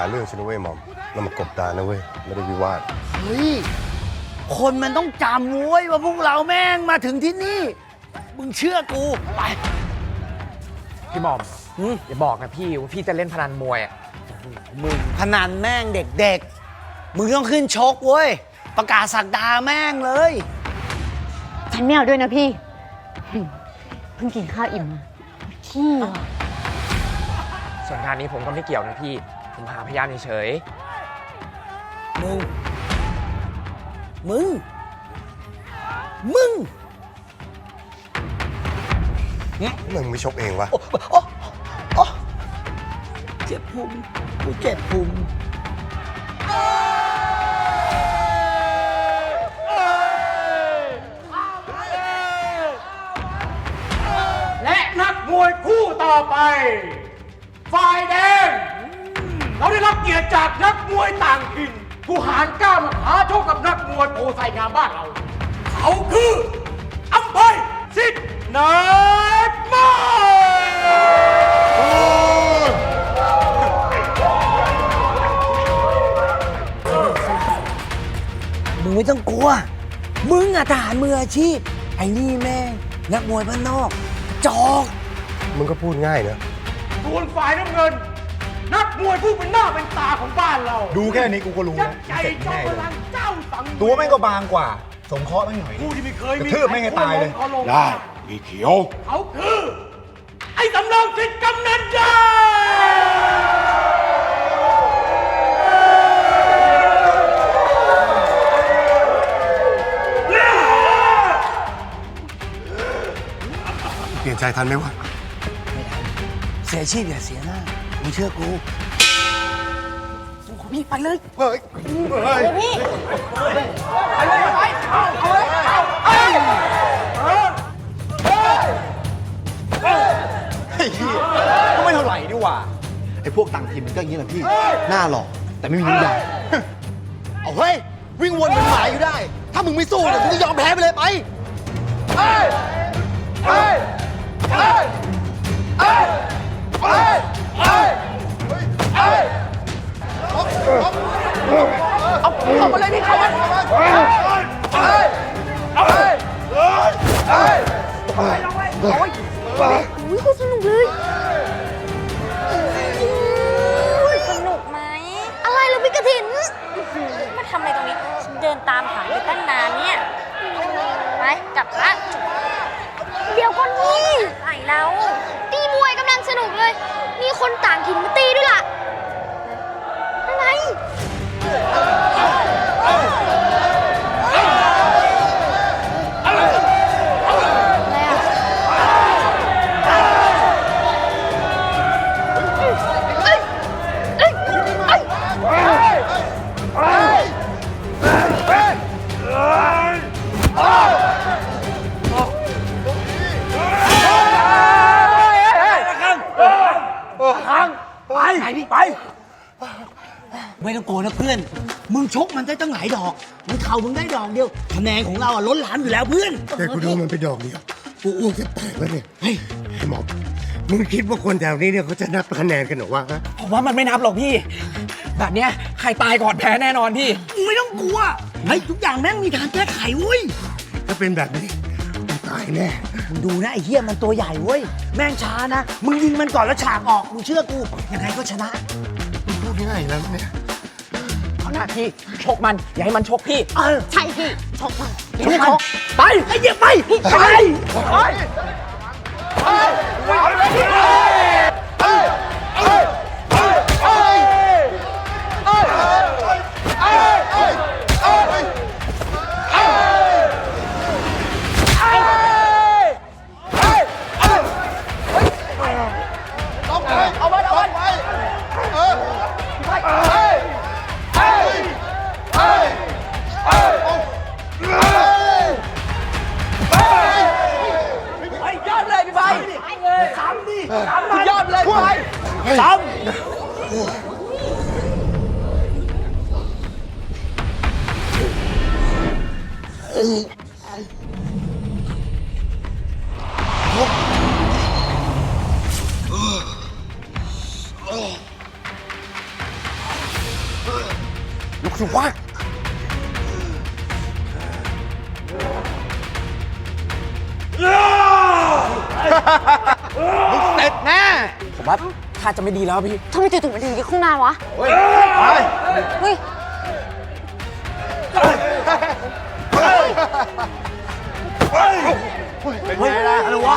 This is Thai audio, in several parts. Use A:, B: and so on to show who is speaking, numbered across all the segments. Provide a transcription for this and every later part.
A: าเรื่องฉันนะเว้ยหม่อมเรามากบดานนะเว้ยไม่ได้วิวาท
B: เฮ้ยคนมันต้องจำเว้ยว่าพวกเราแม่งมาถึงที่นี่มึงเชื่อกูไป
C: พี่หม่อมอย่าบอกนะพี่ว่าพี่จะเล่นพนันมวยอ่ะ
B: มึงพนันแม่งเด็กๆมึงต้องขึ้นชกเว้ยประกาศศักดาแม่งเลย
D: ฉันไม่เอาด้วยนะพี่เพิ่งกินข้าวอิ่มมาที่
C: ส่วนงานนี้ผมก็ไม่เกี่ยวนะพี่ผมหาพยานเฉย
B: มึง
A: ไม่ชกเองวะ
B: เจ็บพุงกูเจ็บพุง
E: และนักมวยคู่ต่อไปฝ่ายแดงเราได้รับเกียรติจากนักมวยต่างถิ่นผู้หารกล้ามาท้าชกกับนักมวยโพไซงามบ้านเราเขาคืออัมภัยสิทธิ์นักมวย
B: มึงไม่ต้องกลัวมึงอะทหารมืออาชีพไอ้นี่แม่งนักมวยบ้านนอกจอก
A: มึงก็พูดง่ายนะ
E: ส่วนฝ่ายน้ำเงินนักมวยผู้เป็นหน้าเป็นตาของบ้านเรา
F: ดูแค่นี้กูก็รู้แล้ว
E: ใจจอมพลังเจ้าสัง
F: ตัวแม่งก็บางกว่าสงเคราะห์แม่งหน่อย
E: ผู้ที่ไม่เคยมี
F: กระทืบแม่งให้ตายเลย
E: ได้มีเขียวเขาคือไอ้สำรองสิทธิ์กำนันใหญ่
A: เปลี่ยนใจทันไหมวะ
B: ไม่ทันเสียชีพอย่าเสียหน้ามึงเชื่อกูพี่ไปเลย
A: เฮ้ย
D: พี่
E: ไปเลยไปเอา
F: ไอ้เหี้ยก็ไม่เท่าไหร่ดีกว่าไอ้พวกต่างถิ่นมันก็อย่างนี้แหละพี่หน้าหล่อแต่ไม่มีน้ำยาเอาเฮ้ยวิ่งวนเป็นหมาอยู่ได้ถ้ามึงไม่สู้เนี่ยมึงก็ยอมแพ้ไปเลยไป
C: เอามาเลยพี่เขา
D: อุ้ยคุณสนุกเลย
G: สนุกไหม
D: อะไรเหรอพี่กฐิน
G: มาทำอะไรตรงนี้ฉันเดินตามหาอยู่ตั้งนานเนี่ยไปกลับละ
D: เดี๋ยวก่อนนี่
G: ไหนแล้ว
D: ตีมวยกำลังสนุกเลยมีคนต่างถิ่นมาตีด้วยล่ะอะไร
B: ไปไม่ต้องโกรธนะเพื่อนมึงชกมันได้ตั้งหลายดอกมึงเข่ามึงได้ดอกเดียวคะแนนของเราอะล้นหลามอยู่แล้วเพื่อน
A: แต่กูดูมันไปดอกเดียวกูอ้วกจะแตกแล้วเนี่ยเฮ้ยไอ้หมอมึงคิดว่าคนแถวนี้เนี่ยเขาจะนับคะแนนกันหรอวะ
C: ผมว่ามันไม่นับหรอกพี่แบบเนี้ยใครตายก่อนแพ้แน่นอนพี่
B: มึงไม่ต้องกลัวไอ้ทุกอย่างแม่งมีทางแก้ไขเว้ย
A: ถ้าเป็นแบบนี้มึงตายแน่
B: มึงดูนะไอ้เหี้ยมันตัวใหญ่เว้ยแม่งช้านะมึงยิงมันก่อนแล้วฉากออกมึงเชื่อกูยังไงก็ชนะ
A: มึงพูดง่ายแล้วเนี่ย
C: เอาหน้าพี่ชกมันอย่าให้มันชกพี่
D: ใช่พี่ชกมัน
B: ไปไอ้เหี้ยไป
C: ยอดเลยไป
B: ซ้ำ
F: ลุกสิวะมึงเสร็จแน่
C: ผมว่าถ้าจะไม่ดีแล้วพี่
D: ทำไมจู่ๆมันถึงยึดข้างหน้าวะ
F: เฮ้ยไป
D: เฮ้ย
F: เป็นไงล่ะอะไรวะ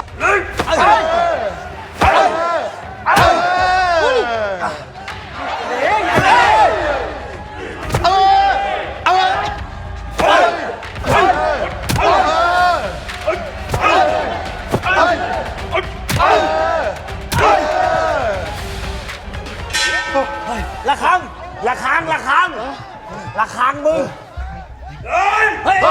B: ละครั้งละครั้งละครั้งละครั้งมึง เฮ้ย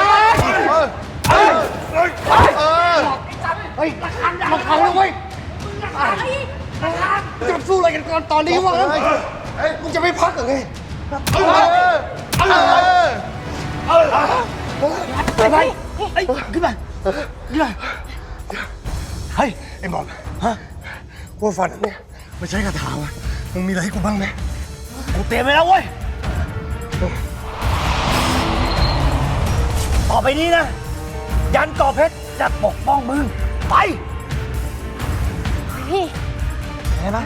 A: จะสู้อะไรกันก่อนตอนนี้วะมึงจะไม่พักเหรอไง
B: ไปเฮ้ยขึ้นมาขึ้นมาเฮ้ย
A: ไอ้หมอมกูฝันอันเนี่ยมาใช้คาถาวะมึงมีอะไรให้กูบ้างไหม
B: กูเตรียมไว้แล้วเว้ย ต่อไปนี้นะ ยันก่อเพชรจะปกป้องมึง ไป
D: พี่
B: เห็นไหม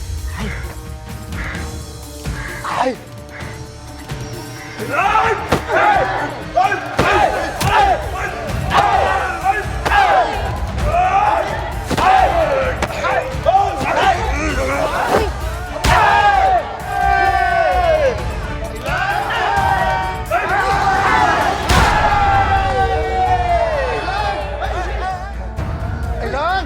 F: ไอ้เลิง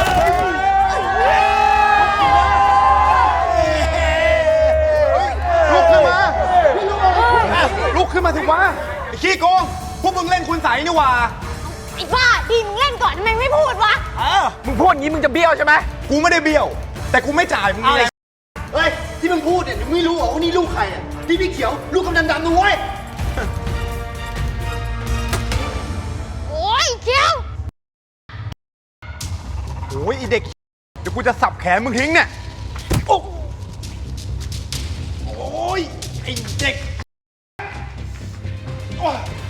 F: ลุกขึ้นมา ลุกขึ้นมาสิวะไอ้ขี้โกง พวกมึงเล่นคุณใสนี่หว่า
D: ไอ้บ้าดีมึงเล่นก่อนทำไมไม่พูดวะ
C: มึงพูดอย่างนี้มึงจะเบี้ยวใช่ไหม
F: กูไม่ได้เบี้ยว แต่กูไม่จ่ายมึงนี่แหละเฮ้ย ที่มึงพูดเนี่ยมึงไม่รู้เหรอว่านี่ลูกใครอ่ะที่พี่เขียว ลูกกำนันดำนะเว้ย
D: โอ้ยเขียว
F: โอ้ยไอเด็ก เดี๋ยวกูจะสับแขนมึงทิ้งเนี่ย โอ้ยไอเด็กโอ้ย